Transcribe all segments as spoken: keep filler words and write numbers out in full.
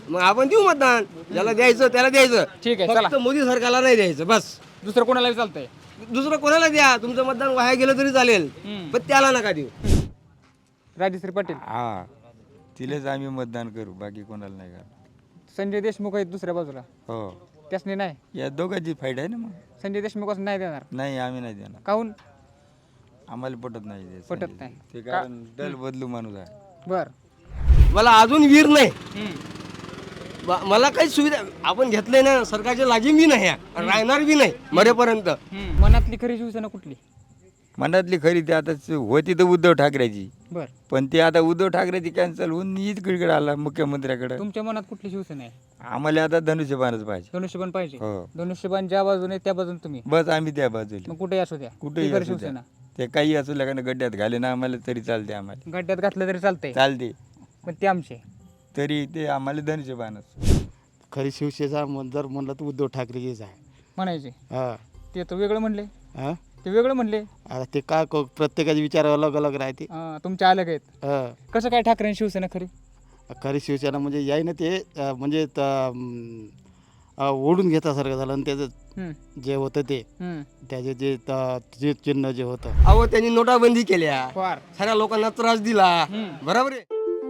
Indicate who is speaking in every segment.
Speaker 1: मग आपण देऊ मतदान, ज्याला द्यायचं त्याला द्यायचं.
Speaker 2: ठीक आहे, चला.
Speaker 1: फक्त मोदी सरकारला नाही द्यायचं बस.
Speaker 2: दुसरं कोणाला चालतंय?
Speaker 1: दुसरं कोणाला द्या, तुमचं मतदान वाया गेलं तरी चालेल,
Speaker 2: हम्म.
Speaker 1: पण त्याला नका देऊ.
Speaker 2: राजश्री पाटील.
Speaker 3: हा तिलेच आम्ही मतदान करू, बाकी कोणाला नाही करणार.
Speaker 2: संजय देशमुख आहेत दुसऱ्या बाजूला,
Speaker 3: हो
Speaker 2: त्यासनी नाही.
Speaker 3: या दोघांची फाईट आहे ना. मग
Speaker 2: संजय देशमुख असं नाही देणार.
Speaker 3: नाही आम्ही नाही देणार,
Speaker 2: काहून?
Speaker 3: आम्हाला पटत नाही ते
Speaker 2: पटत
Speaker 3: संजय.
Speaker 2: नाही.
Speaker 3: ते कारण दल बदलू माणूस आहे.
Speaker 2: बर.
Speaker 1: मला अजून वीर नाही, ब- मला काही सुविधा आपण घेतलंय ना, सरकारच्या लागीम बी नाही आणि राहणार बी नाही मरेपर्यंत.
Speaker 2: मनातली खरी शिवसेना कुठली?
Speaker 3: मनातली खरी ते आता होती तर उद्धव ठाकरेची,
Speaker 2: बर.
Speaker 3: पण ते आता उद्धव ठाकरेची कॅन्सल होऊन इकडे आला मुख्यमंत्र्याकडे.
Speaker 2: तुमच्या मनात कुठली शिवसेना आहे?
Speaker 3: आम्हाला आता धनुष्यबाणच पाहिजे.
Speaker 2: धनुष्यबाण पाहिजे.
Speaker 3: हो.
Speaker 2: धनुष्यबाण ज्या बाजूने त्या बाजून तुम्ही,
Speaker 3: बस आम्ही त्या बाजूला.
Speaker 2: मग कुठे असू द्या,
Speaker 3: कुठेही
Speaker 2: ती खरी
Speaker 3: असू द्या.
Speaker 2: शिवसेना.
Speaker 3: ते काही असू लागणं गड्ड्यात घाले ना आम्हाला तरी चालते. आम्हाला
Speaker 2: गड्ड्यात घातलं तरी चालतंय,
Speaker 3: चालते,
Speaker 2: पण ते आमचे.
Speaker 3: तरी ते आम्हाला धनुष्यबाणच.
Speaker 4: खरी शिवसेना म्हण- जर म्हणलं तर उद्धव ठाकरेचीच आहे.
Speaker 2: म्हणायचे
Speaker 4: हा
Speaker 2: ते तर वेगळं म्हणले.
Speaker 4: हा
Speaker 2: ते वेगळं म्हणले.
Speaker 4: आता ते काय क- प्रत्येकाचे विचार अलग अलग राहते.
Speaker 2: अं, तुमच्या अलग आहेत.
Speaker 4: हा
Speaker 2: कसं काय ठाकरे आणि शिवसेना खरी?
Speaker 4: खरी शिवसेना म्हणजे याय ना ते अं, म्हणजे त- अं, अं, ओढून घेतासारखं झालं आणि त्याचं
Speaker 2: हम्म,
Speaker 4: जे होतं ते
Speaker 2: हम्म.
Speaker 4: त्याचे जे त- जे चिन्ह जे होतं
Speaker 1: अहो त्यांनी नोटाबंदी केल्या,
Speaker 2: फार.
Speaker 1: साऱ्या लोकांना त्रास दिला,
Speaker 2: हम्म.
Speaker 1: बरोबर आहे.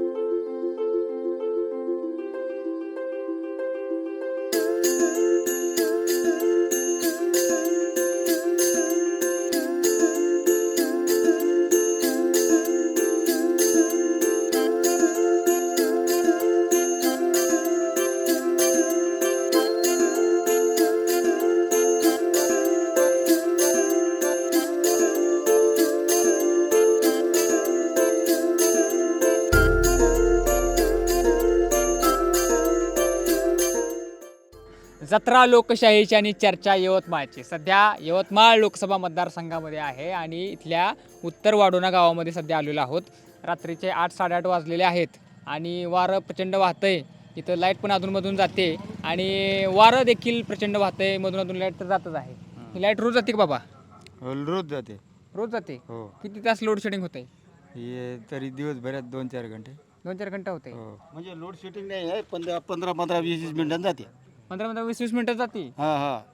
Speaker 2: जत्रा लोकशाहीची आणि चर्चा यवतमाळची. सध्या यवतमाळ लोकसभा मतदारसंघामध्ये आहे आणि इथल्या उत्तर वाडोना गावामध्ये सध्या आलेलो आहोत. रात्रीचे आठ साडेआठ वाजलेले आहेत आणि वारं प्रचंड वाहतंय. इथं लाईट पण अधूनमधून जाते आणि वारं देखील प्रचंड वाहतंय. मधून अधून लाईट तर जातच आहे. ही लाईट रोज जाते का बाबा?
Speaker 3: रोज जाते.
Speaker 2: रोज जाते.
Speaker 3: हो
Speaker 2: किती तास लोड शेडिंग होते?
Speaker 3: हे तरी दिवसभरात दोन चार घंटे.
Speaker 2: दोन चार घंटे होते.
Speaker 3: हो
Speaker 4: म्हणजे लोड शेडिंग नाही आहे. पंधरा पंधरा पंधरा वीस वीस मिनिटांनी जाते.
Speaker 2: पंधरा पंधरा वीस वीस मिनिटं जाते
Speaker 4: हा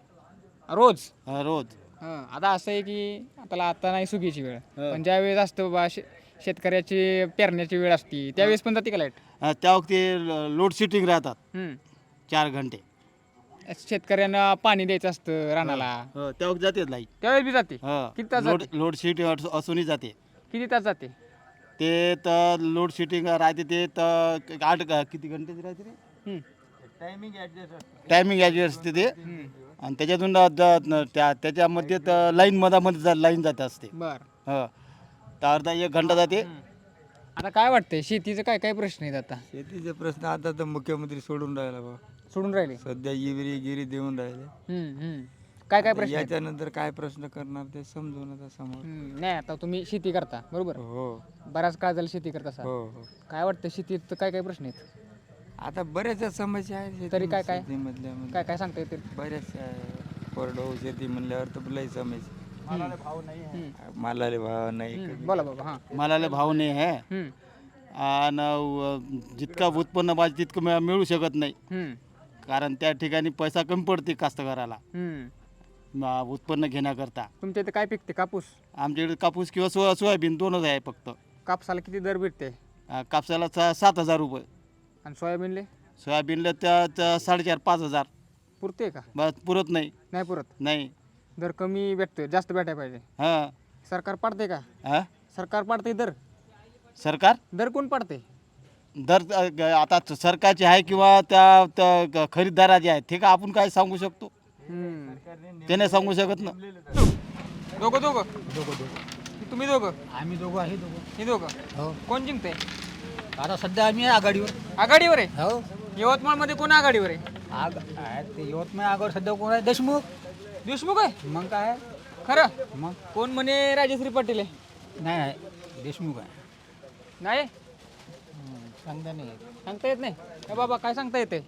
Speaker 4: हा
Speaker 2: रोज.
Speaker 4: हा रोज.
Speaker 2: हं, आता असं आहे की आता आता नाही सुगीची वेळ,
Speaker 4: हं.
Speaker 2: पण ज्या वेळेस असतं बाबा शे शेतकऱ्याची पेरण्याची वेळ असती त्यावेळेस पण जाते का लाईट?
Speaker 4: हा, त्या वक्ती लोड शेडिंग राहतात
Speaker 2: हं.
Speaker 4: चार घंटे.
Speaker 2: शेतकऱ्यांना पाणी द्यायचं असतं रानाला,
Speaker 4: हो, त्या वक्ती जाते लाईट.
Speaker 2: त्यावेळेस बी जाते.
Speaker 4: हा
Speaker 2: किती तास
Speaker 4: लोड
Speaker 2: जाते?
Speaker 4: लोड शेडिंग असूनही जाते.
Speaker 2: किती तास जाते?
Speaker 4: ते तर लोड शेडिंग राहते ते तर आठ का- किती घंटे राहते रे
Speaker 2: हं.
Speaker 3: Timing adjust.
Speaker 4: टायमिंग ॲडजस्ट असते ते.
Speaker 2: हं.
Speaker 4: आणि त्याच्यातून द- द- न- त्या त्याच्यामध्ये तर लाईन मधामध्ये जा लाईन जात असते.
Speaker 2: बर.
Speaker 4: हो, तर अर्धा एक घंटा जाते.
Speaker 2: हं. आता काय वाटतंय शेतीचं काय काय प्रश्न आहेत आता?
Speaker 3: शेतीचे प्रश्न आता तर मुख्यमंत्री सोडून राहिला बा.
Speaker 2: सोडून राहिले.
Speaker 3: सध्या इविरी गिरी देऊन राहिले.
Speaker 2: हं, हं. काय काय प्रश्न आहेत?
Speaker 3: याच्यानंतर काय प्रश्न करणार ते समजून आता समोर.
Speaker 2: हं, नाही आता तुम्ही शेती करता बरोबर,
Speaker 3: हो
Speaker 2: बराच काळ झाला शेती करता असाल.
Speaker 3: हो हो
Speaker 2: काय वाटतं शेतीत काय काय प्रश्न आहेत?
Speaker 3: आता बऱ्याचशा समस्या आहेत
Speaker 2: तरी काय काय?
Speaker 3: शेतीमधल्या
Speaker 2: काय काय सांगता येतील?
Speaker 3: बऱ्याचशा कोरडवाहू शेती म्हणल्यावर तर लई समस्या.
Speaker 2: हं.
Speaker 3: मालाले भाव नाही.
Speaker 2: हं. बोला बाबा. हां.
Speaker 4: मालाला भाव नाही आहे
Speaker 2: हं.
Speaker 4: आणि जितका उत्पन्न पाहिजे तितकं मिळ- मिळू शकत नाही.
Speaker 2: हं.
Speaker 4: कारण त्या ठिकाणी पैसा कमी पडते कास्तकाराला
Speaker 2: हं.
Speaker 4: म- उत्पन्न घेण्याकरता.
Speaker 2: तुमच्या इथे काय पिकते? कापूस.
Speaker 4: आमच्याकडे कापूस किंवा सो सोयाबीन दोनच आहे फक्त.
Speaker 2: कापसाला किती दर भेटते?
Speaker 4: अं, कापसाला सा- सात हजार रुपये,
Speaker 2: आणि सोयाबीनले
Speaker 4: सोयाबीनला त्या त्या साडेचार पाच हजार.
Speaker 2: पुरते का?
Speaker 4: बस पुरत नाही.
Speaker 2: नाही पुरत.
Speaker 4: नाही.
Speaker 2: दर कमी भेटतोय, जास्त भेटायला पाहिजे.
Speaker 4: हां
Speaker 2: सरकार पाडते का?
Speaker 4: हां
Speaker 2: सरकार पाडते दर?
Speaker 4: सरकार
Speaker 2: दर कोण पाडते?
Speaker 4: दर अ, ग- आता सरकारचे आहे किंवा त्या त्या ग- खरीददाराचे आहे ते का आपण काय सांगू शकतो?
Speaker 2: हम्म.
Speaker 4: ते नाही सांगू शकत ना.
Speaker 2: दोघं दोघं तुम्ही दोघं?
Speaker 5: आम्ही दोघं आहे दोघं.
Speaker 2: हे दोघं.
Speaker 5: हो.
Speaker 2: कोण जिंकते?
Speaker 5: आता सध्या आम्ही आघाडीवर.
Speaker 2: आघाडीवर आहे.
Speaker 5: हो.
Speaker 2: यवतमाळ मध्ये कोण आघाडीवर आहे?
Speaker 5: आग आहे ते यवतमाळ आघाडीवर सध्या कोण आहे? देशमुख.
Speaker 2: देशमुख आहे.
Speaker 5: मग काय आहे?
Speaker 2: खरं?
Speaker 5: मग
Speaker 2: कोण म्हणे राजश्री पाटील आहे?
Speaker 5: नाही आहे देशमुख आहे.
Speaker 2: नाही
Speaker 5: हं, सांगता नाही येत.
Speaker 2: सांगता येत नाही ए बाबा, काय सांगता येते?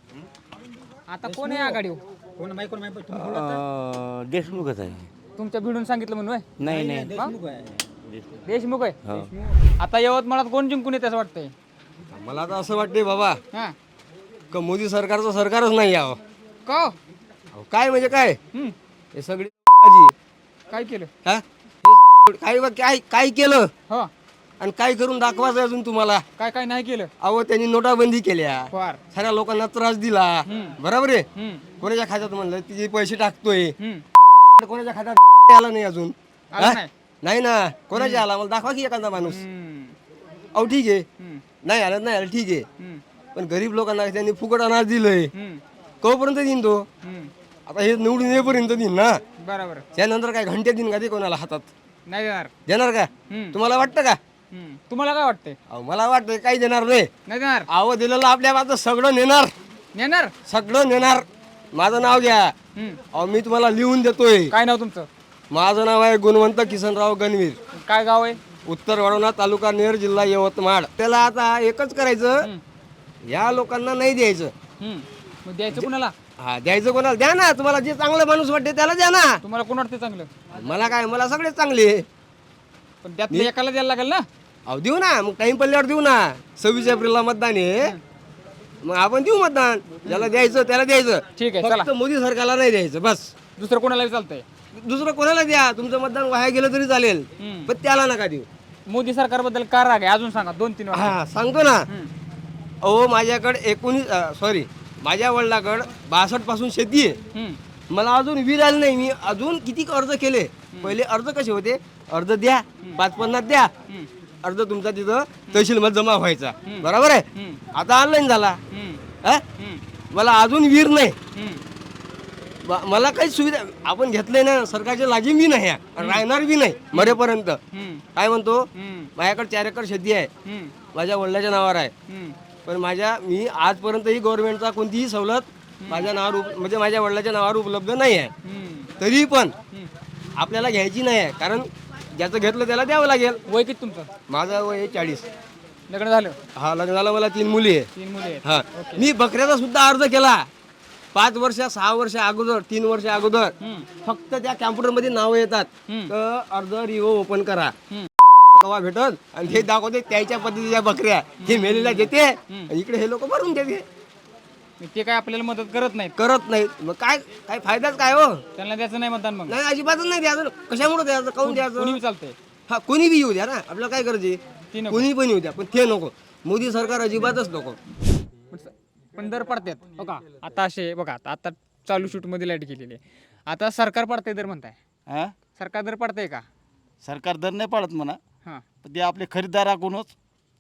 Speaker 2: आता कोण आहे आघाडीवर?
Speaker 5: कोण माहिती कोण माहिती तुम्ही बोला तर.
Speaker 1: देशमुखच आहे.
Speaker 2: तुमच्या भिडून सांगितलं म्हणून होय?
Speaker 1: नाही नाही
Speaker 5: देशमुख आहे.
Speaker 2: देशमुख आहे.
Speaker 1: हो.
Speaker 2: आता यवतमाळात कोण जिंकून येते असं वाटतंय?
Speaker 1: मला तर असं वाटते बाबा,
Speaker 2: हां.
Speaker 1: का मोदी सरकारचं सरकारच नाही यावं.
Speaker 2: का हो?
Speaker 1: अहो, काय म्हणजे काय
Speaker 2: हम्म.
Speaker 1: हे सगळी बाजी.
Speaker 2: काय केलं
Speaker 1: हा? हे सगळी- काय बा- काय काय केलं
Speaker 2: हो
Speaker 1: आणि काय करून दाखवायचं अजून तुम्हाला.
Speaker 2: काय काय नाही केलं
Speaker 1: अहो त्यांनी नोटाबंदी केल्या,
Speaker 2: फार
Speaker 1: साऱ्या लोकांना त्रास दिला.
Speaker 2: हम्म.
Speaker 1: बरोबर आहे.
Speaker 2: हम्म.
Speaker 1: कोणाच्या खात्यात म्हणलं तिचे पैसे टाकतोय,
Speaker 2: हम्म.
Speaker 1: कोणाच्या खात्यात आला नाही अजून.
Speaker 2: आला
Speaker 1: हा?
Speaker 2: नाही.
Speaker 1: नाही ना, कोणाच्या आला मला दाखवा की एखादा माणूस.
Speaker 2: हम्म.
Speaker 1: अहो ठीक आहे,
Speaker 2: हम्म.
Speaker 1: नाही आलं नाही आलं ठीक आहे,
Speaker 2: हम्म.
Speaker 1: पण गरीब लोकांना त्यांनी फुकट अनाज दिलंय.
Speaker 2: हम्म.
Speaker 1: कोपर्यंत देईन तो.
Speaker 2: हम्म.
Speaker 1: आता हे निवडून येईपर्यंत देईन ना.
Speaker 2: बरोबर
Speaker 1: त्यानंतर काय घंटे देईन का ते कोणाला हातात
Speaker 2: नाही देणार.
Speaker 1: देणार का?
Speaker 2: हम्म.
Speaker 1: तुम्हाला वाटतं का?
Speaker 2: हम्म. तुम्हाला काय वाटतंय
Speaker 1: अहो मला वाटतं काही देणार नाही.
Speaker 2: नाही देणार
Speaker 1: अहो दिलेलं आपल्या बाजू सगळं नेणार,
Speaker 2: नेणार
Speaker 1: सगळं नेणार. माझं नाव घ्या.
Speaker 2: हम्म.
Speaker 1: अहो मी तुम्हाला लिहून देतोय.
Speaker 2: काय नाव तुमचं
Speaker 1: माझं नाव आहे गुणवंत किसनराव गणवीर,
Speaker 2: काय गाव आहे
Speaker 1: उत्तर वाढवणा तालुका नेर जिल्हा यवतमाळ. त्याला आता एकच करायचं, या लोकांना नाही द्यायचं.
Speaker 2: हम्म. मग द्यायचं कुणाला
Speaker 1: हा द्यायचं कोणाला द्या ना, तुम्हाला जे चांगलं माणूस वाटते त्याला द्या ना.
Speaker 2: तुम्हाला कोण वाटतं चांगलं
Speaker 1: मला काय, मला सगळे चांगले.
Speaker 2: पण त्यातलं एकाला द्यायला लागेल ना
Speaker 1: अहो देऊ ना, मग टाइम पडल्यावर देऊ ना. सव्वीस एप्रिलला मतदान आहे, मग आपण देऊ मतदान. ज्याला द्यायचं त्याला द्यायचं.
Speaker 2: ठीक आहे चला
Speaker 1: फक्त मोदी सरकारला नाही द्यायचं बस.
Speaker 2: दुसरं कोणालाही चालतंय
Speaker 1: दुसरं कोणाला द्या, तुमचं मतदान वाया गेलं तरी चालेल,
Speaker 2: हम्म.
Speaker 1: पण त्याला नका देऊ.
Speaker 2: मोदी सरकारबद्दल का राग आहे अजून सांगा दोन तीन वाक्यात.
Speaker 1: हा सांगतो ना.
Speaker 2: हम्म.
Speaker 1: अहो माझ्याकडे एकोणीस सॉरी माझ्या वडिलाकडं बासष्ट पासून शेती आहे.
Speaker 2: हम्म.
Speaker 1: मला अजून वीर आले नाही. मी अजून किती अर्ज केले. पहिले अर्ज कसे होते, अर्ज द्या पाच पन्नास द्या,
Speaker 2: हम्म.
Speaker 1: अर्ज तुमचा तिथं तहसीलमध्ये जमा व्हायचा.
Speaker 2: हम्म.
Speaker 1: बरोबर आहे.
Speaker 2: हम्म.
Speaker 1: आता ऑनलाईन झाला.
Speaker 2: हम्म.
Speaker 1: हा?
Speaker 2: हम्म.
Speaker 1: मला अजून वीर नाही.
Speaker 2: हम्म.
Speaker 1: ब- मला काही सुविधा आपण घेतलंय ना, सरकारच्या लाजी बी नाही आहे, राहणार बी नाही मरेपर्यंत.
Speaker 2: हम्म.
Speaker 1: काय म्हणतो,
Speaker 2: हम्म.
Speaker 1: माझ्याकडे चार एकर शेती आहे,
Speaker 2: हम्म.
Speaker 1: माझ्या वडिलाच्या नावावर आहे.
Speaker 2: हम्म.
Speaker 1: पण माझ्या मी आजपर्यंतही गव्हर्नमेंटचा कोणतीही सवलत माझ्या नावावर उप- म्हणजे माझ्या वडिलाच्या नावावर उपलब्ध नाही आहे.
Speaker 2: हम्म.
Speaker 1: तरी पण
Speaker 2: हम्म.
Speaker 1: आपल्याला घ्यायची नाही आहे, कारण ज्याचं घेतलं त्याला द्यावं लागेल.
Speaker 2: वय किती तुमचं
Speaker 1: माझं वय आहे चाळीस.
Speaker 2: लग्न झालं
Speaker 1: हा लग्न झालं, मला तीन मुली आहे.
Speaker 2: तीन मुली आहेत
Speaker 1: हा मी बकऱ्याचा सुद्धा अर्ज केला पाच वर्ष सहा वर्ष अगोदर, तीन वर्ष अगोदर.
Speaker 2: हम्म.
Speaker 1: फक्त त्या कॅम्प्युटरमध्ये नावं येतात,
Speaker 2: हम्म.
Speaker 1: तर अर्ज रिओ ओपन करा.
Speaker 2: हम्म.
Speaker 1: कवा भेटत आणि हे दाखवते त्याच्या पद्धतीच्या बकऱ्या, हे मेलेल्या देते आणि इकडे हे लोक भरून देते.
Speaker 2: मग ते काय आपल्याला मदत करत नाहीत
Speaker 1: करत नाहीत, मग काय काय फायदाच काय हो.
Speaker 2: त्यांना द्यायचं नाही मतदान मग
Speaker 1: नाही अजिबातच नाही द्यायचं. कशामुळे द्यायचं, काऊन द्यायचं.
Speaker 2: कोणी चालतंय
Speaker 1: हा कोणी बी येऊ द्या ना, आपल्याला काय करायचे,
Speaker 2: ती नको.
Speaker 1: कोणी पण येऊ द्या, पण ते नको. मोदी सरकार अजिबातच नको.
Speaker 2: पण स- पण दर पडतात हो का आता असे बघा आता आता चालू शूट मध्ये लाईट गेलेली आहे. आता सरकार पडतंय दर म्हणताय,
Speaker 4: हा
Speaker 2: सरकार दर पडतंय का
Speaker 4: सरकार दर नाही पाडत म्हणा,
Speaker 2: हा
Speaker 4: पण ते आपले खरेदीदाराकडूनच.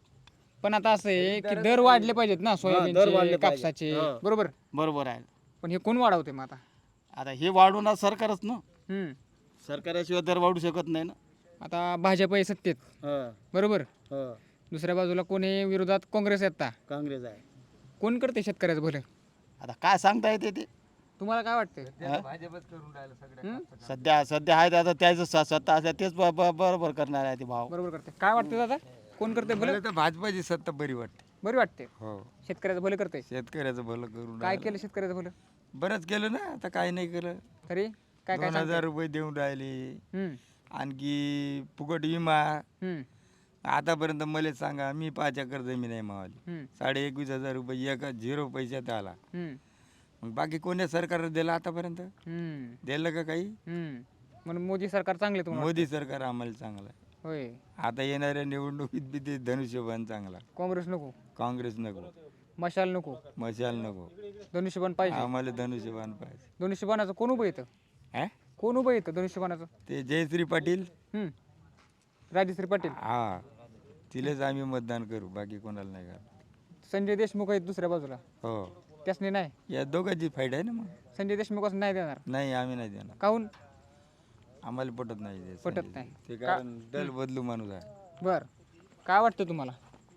Speaker 2: पण आता असं आहे की दर वाढले पाहिजेत ना सोयाबीनचे
Speaker 1: वाढले पाहिजे.
Speaker 2: कापसाचे
Speaker 1: हा.
Speaker 2: बरोबर.
Speaker 4: बरोबर आहे.
Speaker 2: पण हे कोण वाढवते मग आता
Speaker 4: आता हे वाढवणार सरकारच ना,
Speaker 2: हम्म.
Speaker 4: सरकाराशिवाय दर वाढू शकत नाही ना.
Speaker 2: आता भाजप आहे सत्तेत बरोबर, दुसऱ्या बाजूला कोणी विरोधात काँग्रेस येतात.
Speaker 4: काँग्रेस आहे.
Speaker 2: कोण करते शेतकऱ्याचं भलं
Speaker 4: आता काय सांगता येते ते.
Speaker 2: तुम्हाला काय वाटतंय
Speaker 4: हा?
Speaker 2: हम्म?
Speaker 4: सध्या सध्या आहे ते आता त्याचं स- सत्ता असल्या तेच ब- ब- बरोबर करणार आहे ते भाव.
Speaker 2: बरोबर करते काय वाटतं दादा कोण करते भलं
Speaker 3: मला तर भाजपाची सत्ता बरी वाटते.
Speaker 2: बरी वाटते
Speaker 3: हो,
Speaker 2: शेतकऱ्याचं भलं करते
Speaker 3: शेतकऱ्याचं भलं करून
Speaker 2: काय
Speaker 3: राहिलं.
Speaker 2: केलं शेतकऱ्याचं भलं
Speaker 3: बरंच केलं ना, आता काय नाही केलं.
Speaker 2: तरी काय काय
Speaker 3: दोन हजार रुपये देऊन राहिले,
Speaker 2: हम्म.
Speaker 3: आणखी फुकट विमा.
Speaker 2: हम्म.
Speaker 3: आतापर्यंत मला सांगा, मी पाच एकर जमीन आहे मावाली,
Speaker 2: हम्म.
Speaker 3: साडे एकवीस हजार रुपये एक झिरो पैशात आला.
Speaker 2: हम्म.
Speaker 3: मग बाकी कोण्या सरकारनं दिलं आतापर्यंत?
Speaker 2: हम्म.
Speaker 3: दिलं का काही?
Speaker 2: हम्म. म्हणून मोदी सरकार चांगले तुम्हाला
Speaker 3: मोदी सरकार आम्हाला चांगलं आहे.
Speaker 2: होय
Speaker 3: आता येणाऱ्या निवडणुकीत बी ते धनुष्यबाण चांगला,
Speaker 2: काँग्रेस नको,
Speaker 3: काँग्रेस नको,
Speaker 2: मशाल नको,
Speaker 3: मशाल नको,
Speaker 2: धनुष्यबाण पाहिजे.
Speaker 3: आम्हाला धनुष्यबाण पाहिजे.
Speaker 2: धनुष्यबाणाचं कोण उभं येतं
Speaker 3: हा?
Speaker 2: कोण उभं येतं धनुष्यबाणाचं
Speaker 3: ते जयश्री पाटील,
Speaker 2: हम्म. राजश्री पाटील,
Speaker 3: हा, तिलेच आम्ही मतदान करू, बाकी कोणाला नाही करत.
Speaker 2: संजय देशमुख आहेत दुसऱ्या बाजूला,
Speaker 3: हो,
Speaker 2: त्यासनी नाही.
Speaker 3: या दोघांची फाईट आहे ना. मग
Speaker 2: संजय देशमुख असं नाही देणार
Speaker 3: नाही, आम्ही नाही देणार,
Speaker 2: काहून
Speaker 3: आम्हाला पटत नाही ते
Speaker 2: पटत
Speaker 3: संजय.
Speaker 2: नाही.
Speaker 3: ते कारण दल बदलू माणूस आहे.
Speaker 2: बर काय वाटतं तुम्हाला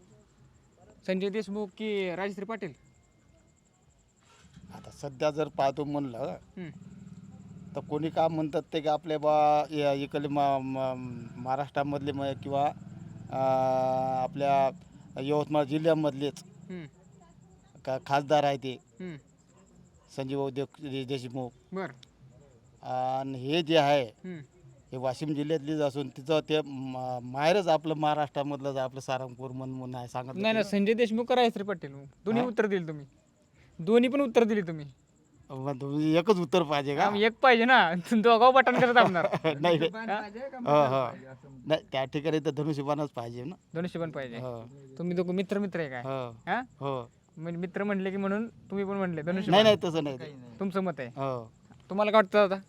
Speaker 2: संजय देशमुख की राजश्री पाटील?
Speaker 4: आता सध्या जर पाहतो म्हणलं
Speaker 2: हम्म.
Speaker 4: तर कोणी काय म्हणतात ते की आपले बा या इकडले मा मा- महाराष्ट्रामधले म- किंवा अं, आपल्या यवतमाळ जिल्ह्यामधलेच
Speaker 2: हम्म.
Speaker 4: का खासदार आहे ते
Speaker 2: हम्म.
Speaker 4: संजीव उद्योग देशमुख.
Speaker 2: बर
Speaker 4: आणि हे जे आहे
Speaker 2: हम्म.
Speaker 4: हे वाशिम जिल्ह्यातलीच असून तिचं ते म- माहेरच आपलं महाराष्ट्रामधलं आपलं सारंगपूर म्हणून म्हणून आहे सांगत
Speaker 2: नाही ना
Speaker 4: होते
Speaker 2: संजय देशमुख का राजश्री पाटील दोन्ही उत्तर दिल तुम्ही. दोन्ही पण उत्तर दिली तुम्ही
Speaker 4: मग तुम्ही एकच उत्तर पाहिजे का
Speaker 2: आम्ही एक पाहिजे ना दोघांवर बटन करत आपणार
Speaker 4: नाही हो हो नाही त्या ठिकाणी तर धनुष्यबाणच पाहिजे ना.
Speaker 2: धनुष्यबाण पाहिजे.
Speaker 4: हो
Speaker 2: तुम्ही दोघं मित्र मित्र आहे काय
Speaker 4: हो
Speaker 2: हा
Speaker 4: हो
Speaker 2: म्हणजे मित्र म्हणले की म्हणून तुम्ही पण म्हणले
Speaker 4: नाही
Speaker 2: धनुष्यबाण
Speaker 4: नाही तसं नाही ते.
Speaker 2: तुमचं मत आहे.
Speaker 4: हो
Speaker 2: तुम्हाला काय वाटतं दादा?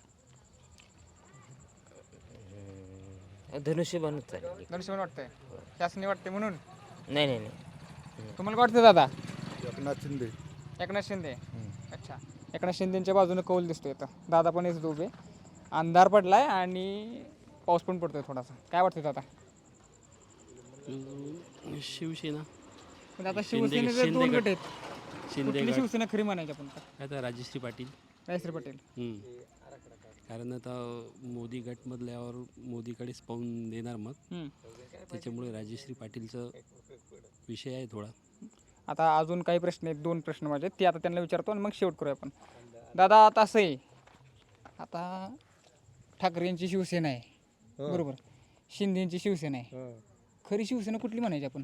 Speaker 6: धनुष्यबाणच चालेल.
Speaker 2: धनुष्यबाण वाटतंय शासनी वाटते म्हणून
Speaker 6: नाही नाही नाही
Speaker 2: तुम्हाला काय वाटतं दादा?
Speaker 4: एकनाथ शिंदे.
Speaker 2: एकनाथ शिंदे. अच्छा एकनाथ शिंदेच्या बाजूने कौल दिसतोय इथं. दादा पण येत उभे. अंधार पडलाय आणि पाऊस पण पडतोय थोडासा. काय वाटतं दादा?
Speaker 7: शिवसेना
Speaker 2: पण आता
Speaker 7: शिंदे-
Speaker 2: शिवसेनेचे
Speaker 7: शिंदे
Speaker 2: दोन
Speaker 7: गट.
Speaker 2: गट आहेत.
Speaker 7: शिंदे
Speaker 2: कुठली
Speaker 7: गट.
Speaker 2: शिवसेना खरी म्हणायची आपण तर?
Speaker 7: काय तर राजश्री पाटील.
Speaker 2: रायश्री पाटील.
Speaker 7: हम्म. कारण आता मोदी गटमधल्यावर मोदीकडेच पाहून देणार मग
Speaker 2: हम्म.
Speaker 7: त्याच्यामुळे राजश्री पाटीलचं विषय आहे थोडा.
Speaker 2: आता अजून काही प्रश्न आहेत, दोन प्रश्न माझे ते आता त्यांना विचारतो आणि मग शेवट करूया आपण. दादा आता असं आहे, आता ठाकरेंची शिवसेना आहे बरोबर, शिंदेची शिवसेना आहे. खरी शिवसेना कुठली म्हणायची आपण?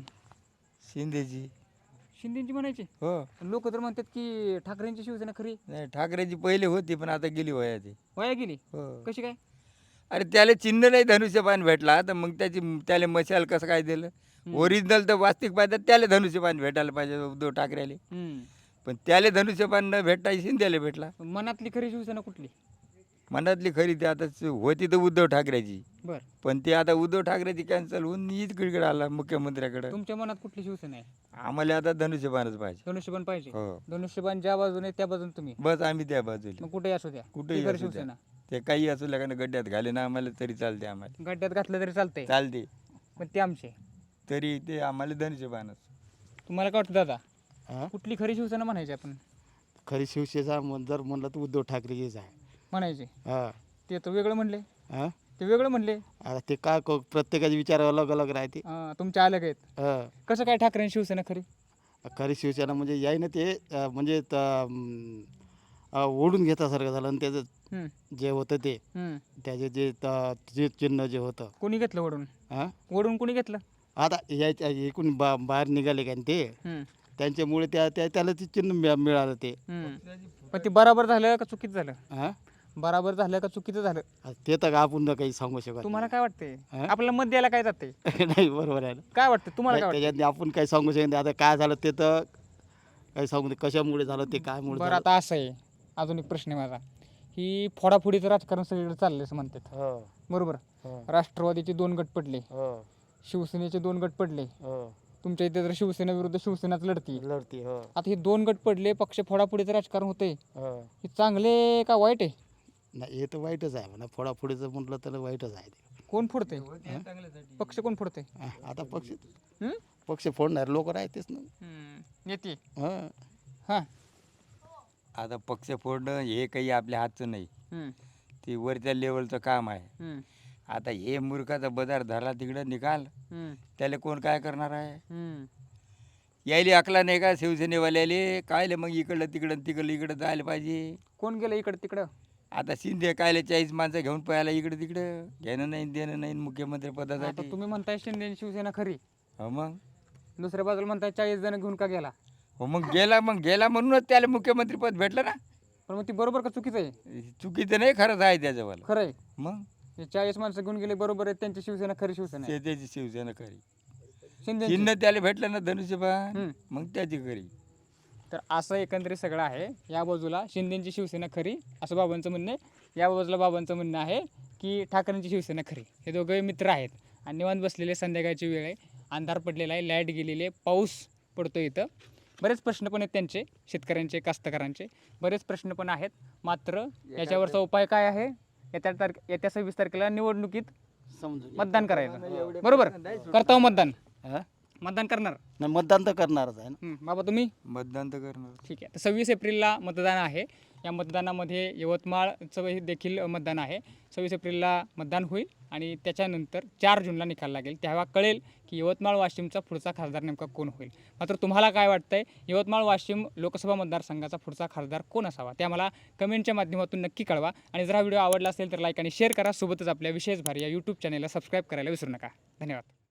Speaker 3: शिंदेची.
Speaker 2: शिंदेची म्हणायची.
Speaker 3: हो
Speaker 2: लोक तर म्हणतात की ठाकरेंची शिवसेना खरी.
Speaker 3: नाही ठाकरेची पहिले होती पण आता गेली वया ती.
Speaker 2: वाया गेली.
Speaker 3: हो
Speaker 2: कशी काय?
Speaker 3: अरे त्याला चिन्ह नाही धनुष्यबाण भेटला तर मग त्याची त्याला मशाल कसं काय दिलं? ओरिजिनल तर वास्तविक पाहिजे त्याला धनुष्यबाण भेटायला पाहिजे उद्धव ठाकरेले.
Speaker 2: हम्म.
Speaker 3: पण त्याला धनुष्यबाण न भेटता शिंदेला भेटला.
Speaker 2: मनातली खरी शिवसेना कुठली?
Speaker 3: मनातली खरी ती आता होती तर उद्धव ठाकरेची,
Speaker 2: बर
Speaker 3: पण ती आता उद्धव ठाकरेची कॅन्सल होऊन इकडे आला मुख्यमंत्र्याकडे.
Speaker 2: तुमच्या मनात कुठली शिवसेना आहे?
Speaker 3: आम्हाला आता धनुष्यबाणच पाहिजे.
Speaker 2: धनुष्यबाण पाहिजे.
Speaker 3: हो
Speaker 2: धनुष्यबाण ज्या बाजूने त्या बाजूने तुम्ही
Speaker 3: बस आम्ही त्या बाजूला
Speaker 2: मग कुठेही असू द्या
Speaker 3: कुठेही
Speaker 2: ती खरी
Speaker 3: असू द्या.
Speaker 2: शिवसेना.
Speaker 3: ते काही असू लागणं गड्ड्यात घाले ना आम्हाला तरी चालते. आम्हाला
Speaker 2: गड्ड्यात घातलं तरी चालतंय
Speaker 3: चालते
Speaker 2: पण ते आमचे.
Speaker 3: तरी ते आम्हाला धनुष्यबाणच.
Speaker 2: तुम्हाला काय वाटतं दादा?
Speaker 4: हा?
Speaker 2: कुठली खरी शिवसेना म्हणायची आपण?
Speaker 4: खरी शिवसेना म्हण- जर म्हणलं तर उद्धव ठाकरेचीच आहे.
Speaker 2: म्हणायची.
Speaker 4: हा
Speaker 2: ते तर वेगळं म्हणले.
Speaker 4: हा
Speaker 2: ते वेगळं म्हणले.
Speaker 4: आता ते काय क- प्रत्येकाचे विचार अलग अलग राहते.
Speaker 2: अं, तुमच्या अलग आहेत.
Speaker 4: हा.
Speaker 2: कसं काय ठाकरे शिवसेना खरी?
Speaker 4: खरी शिवसेना म्हणजे याय ना ते अं, म्हणजे त- अं, अं, ओढून घेतासारखं झालं आणि त्याचं
Speaker 2: हम्म,
Speaker 4: जे होतं ते
Speaker 2: हम्म.
Speaker 4: त्याचे जे त- जे चिन्ह जे होतं
Speaker 2: कोणी घेतलं ओढून?
Speaker 4: हा
Speaker 2: ओढून कोणी घेतलं?
Speaker 4: आता याच्या एकूण बा बाहेर निघाले का ते
Speaker 2: हम्म,
Speaker 4: त्यांच्यामुळे त्या त्या- त्याला ते चिन्ह मिळा- मिळालं ते.
Speaker 2: हम्म. पण ते बराबर झालं का चुकीचं झालं?
Speaker 4: हा
Speaker 2: बराबर झालं का चुकीचं झालं?
Speaker 4: आता ते तर आपण न काही सांगू शकत
Speaker 2: तुम्हाला काय वाटतंय?
Speaker 4: हा?
Speaker 2: आपल्याला मत द्यायला काय जाते?
Speaker 4: नाही. नाही बरोबर आहे ना.
Speaker 2: काय वाटतं तुम्हाला? काय
Speaker 4: नाही, त्याच्यात आपण काही सांगू शकत नाही. आता काय झालं ते तर काही सांगू नाही. कशामुळे झालं ते काय मुळे
Speaker 2: बरं
Speaker 4: झालं.
Speaker 2: आता असं आहे, अजून एक प्रश्न आहे माझा. ही फोडाफोडीचं राजकारण सगळीकडे चाललंय असं म्हणतात
Speaker 4: हो
Speaker 2: बरोबर.
Speaker 4: हो
Speaker 2: राष्ट्रवादीचे दोन गट पडले,
Speaker 4: हो
Speaker 2: शिवसेनेचे दोन गट पडले.
Speaker 4: हो
Speaker 2: तुमच्या इथे तर शिवसेना विरुद्ध शिवसेनाच लढती.
Speaker 4: लढती. हो
Speaker 2: आता हे दोन गट पडले, पक्ष फोडाफोडीचं राजकारण होतंय.
Speaker 4: हो
Speaker 2: हे चांगले का वाईट आहे?
Speaker 4: नाही हे तर वाईटच आहे म्हणा. फोडाफोडीचं म्हटलं तर वाईटच आहे ते.
Speaker 2: कोण फोडते? पक्ष कोण फोडते?
Speaker 4: हा, आता पक्ष
Speaker 2: हम्म?
Speaker 4: पक्ष फोडणार लोक राहतेच ना.
Speaker 2: हम्म, नेते.
Speaker 4: हा
Speaker 2: हां.
Speaker 3: आता पक्ष फोडणं हे काही आपल्या हातचं नाही,
Speaker 2: हम्म,
Speaker 3: ते वरच्या लेवलचं काम आहे.
Speaker 2: हम्म,
Speaker 3: आता हे मूर्खाचा बदार धरला तिकडं निकाल,
Speaker 2: हम्म,
Speaker 3: त्याला कोण काय करणार आहे?
Speaker 2: हम्म.
Speaker 3: यायले अकला नाही का शिवसेनेवाल्याले? कायले मग इकडलं तिकडं तिकडलं इकडं जायला पाहिजे.
Speaker 2: कोण गेलं इकडं तिकडं?
Speaker 3: आता शिंदे कायले चाळीस माणसं घेऊन पळायला इकडं तिकडं, घेणं नाही देणं नाही मुख्यमंत्री
Speaker 2: आता
Speaker 3: पदासाठी.
Speaker 2: तुम्ही म्हणताय शिंदे आणि शिवसेना खरी,
Speaker 3: हो मग
Speaker 2: दुसऱ्या बाजूला म्हणताय चाळीस जण घेऊन का गेला?
Speaker 3: हो मग गेला मग गेला म्हणूनच त्याला मुख्यमंत्री पद भेटलं ना.
Speaker 2: पण मग ती बरोबर का चुकीचं आहे?
Speaker 3: चुकीचं नाही, खरंच आहे त्याच्यावाला.
Speaker 2: खरं आहे.
Speaker 3: मग
Speaker 2: हे चाळीस माणसं घेऊन गेले बरोबर आहे, त्यांची शिवसेना खरी शिवसेना आहे.
Speaker 3: ते त्याची शिवसेना खरी.
Speaker 2: शिंदे.
Speaker 3: चिन्ह त्याला भेटलं ना धनुष्यबाण,
Speaker 2: हम्म.
Speaker 3: मग त्याची खरी.
Speaker 2: तर असं एकंदरीत सगळं आहे. या बाजूला शिंदेची शिवसेना खरी असं बाबांचं म्हणणं आहे, या बाजूला बाबांचं म्हणणं आहे की ठाकरेंची शिवसेना खरी. हे दोघे मित्र आहेत आणि निवांत बसलेले, संध्याकाळची वेळ आहे, अंधार पडलेला आहे, लाईट गेलेली आहे, पाऊस पडतो इथं. बरेच प्रश्न पण आहेत त्यांचे, शेतकऱ्यांचे, कास्तकारांचे बरेच प्रश्न पण आहेत. मात्र याच्यावरचा उपाय काय आहे? येत्या तारखे येत्या सव्वीस तारखेला निवडणुकीत
Speaker 4: समजून
Speaker 2: मतदान करायचं बरोबर. करता मतदान?
Speaker 4: हा?
Speaker 2: मतदान करणार?
Speaker 4: नाही मतदान तर करणारच आहे ना.
Speaker 2: हं, बाबा तुम्ही?
Speaker 3: मतदान तर करणार.
Speaker 2: ठीक आहे. तर सव्वीस एप्रिलला मतदान आहे. या मतदानामध्ये यवतमाळचं हे देखील मतदान आहे. सव्वीस एप्रिलला मतदान होईल आणि त्याच्यानंतर चार जूनला निकाल लागेल. तेव्हा कळेल की यवतमाळ वाशिमचा पुढचा खासदार नेमका कोण होईल. मात्र तुम्हाला काय वाटतंय, यवतमाळ वाशिम लोकसभा मतदारसंघाचा पुढचा खासदार कोण असावा ते आम्हाला कमेंटच्या माध्यमातून नक्की कळवा. आणि जर हा व्हिडिओ आवडला असेल तर लाईक आणि शेअर करा. सोबतच आपल्या विशेष भारी या यूट्यूब चॅनलला सबस्क्राईब करायला विसरू नका. धन्यवाद.